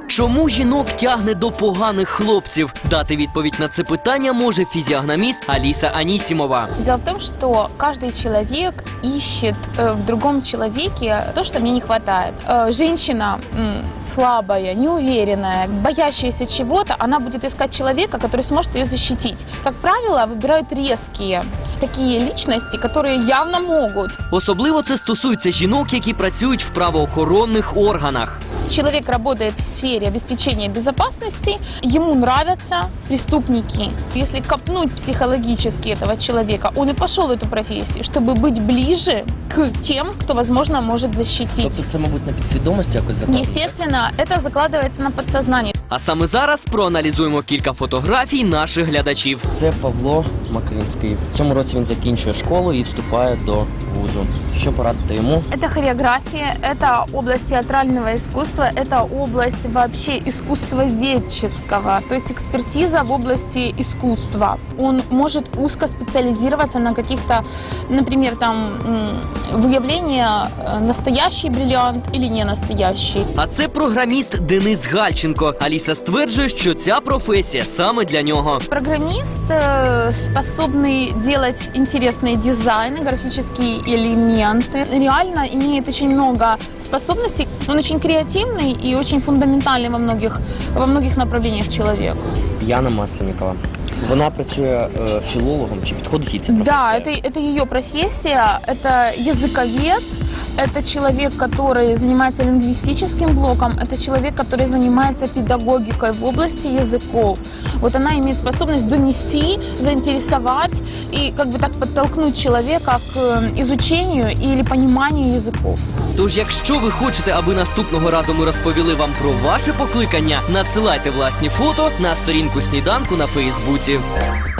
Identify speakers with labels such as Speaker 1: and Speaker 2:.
Speaker 1: Чому жінок тягне до поганих хлопців? Дати відповідь на це питання може фізіогноміст Алиса Анисимова.
Speaker 2: Дело в том, что каждый человек ищет в другом человеке то, что мне не хватает. Женщина слабая, неуверенная, боящаяся чего-то, она будет искать человека, который сможет ее защитить. Как правило, выбирают резкие такие личности, которые явно могут.
Speaker 1: Особливо це стосується жінок, які працюють в правоохоронних органах.
Speaker 2: Человек работает в сфере обеспечения безопасности, ему нравятся преступники. Если копнуть психологически этого человека, он и пошел в эту профессию, чтобы быть ближе к тем, кто, возможно, может защитить.
Speaker 1: Тобто це, мабуть, на підсвідомості якось закладається?
Speaker 2: Естественно, это закладывается на подсознание.
Speaker 1: А саме зараз проаналізуємо кілька фотографій наших глядачів.
Speaker 3: Це Павло Макринський. В цьому році він закінчує школу і вступає до вузу. Що порадити йому?
Speaker 2: Это хореография, это область театрального искусства, это область вообще искусствоведческого, то есть экспертиза в области искусства. Он может узко специализироваться на каких-то, например, там выявление настоящий бриллиант или не настоящий.
Speaker 1: А це програміст Денис Гальченко. Аліса стверджує, що ця професія саме для нього.
Speaker 2: Программист, способный делать интересные дизайны, графические элементы, реально имеет очень много способностей. Он очень креативный и очень фундаментальный во многих направлениях человек.
Speaker 3: Яна Масленникова. Вона працює філологом. Чи підходить їй ця професія?
Speaker 2: Да, это ее профессия, это языковед. Это человек, который занимается лингвистическим блоком, это человек, который занимается педагогикой в области языков. Вот она имеет способность донести, заинтересовать и как бы так подтолкнуть человека к изучению или пониманию языков.
Speaker 1: Тож, якщо ви хочете, аби наступного разу ми розповіли вам про ваше покликання, надсилайте власні фото на сторінку «Сніданку» на Фейсбуці.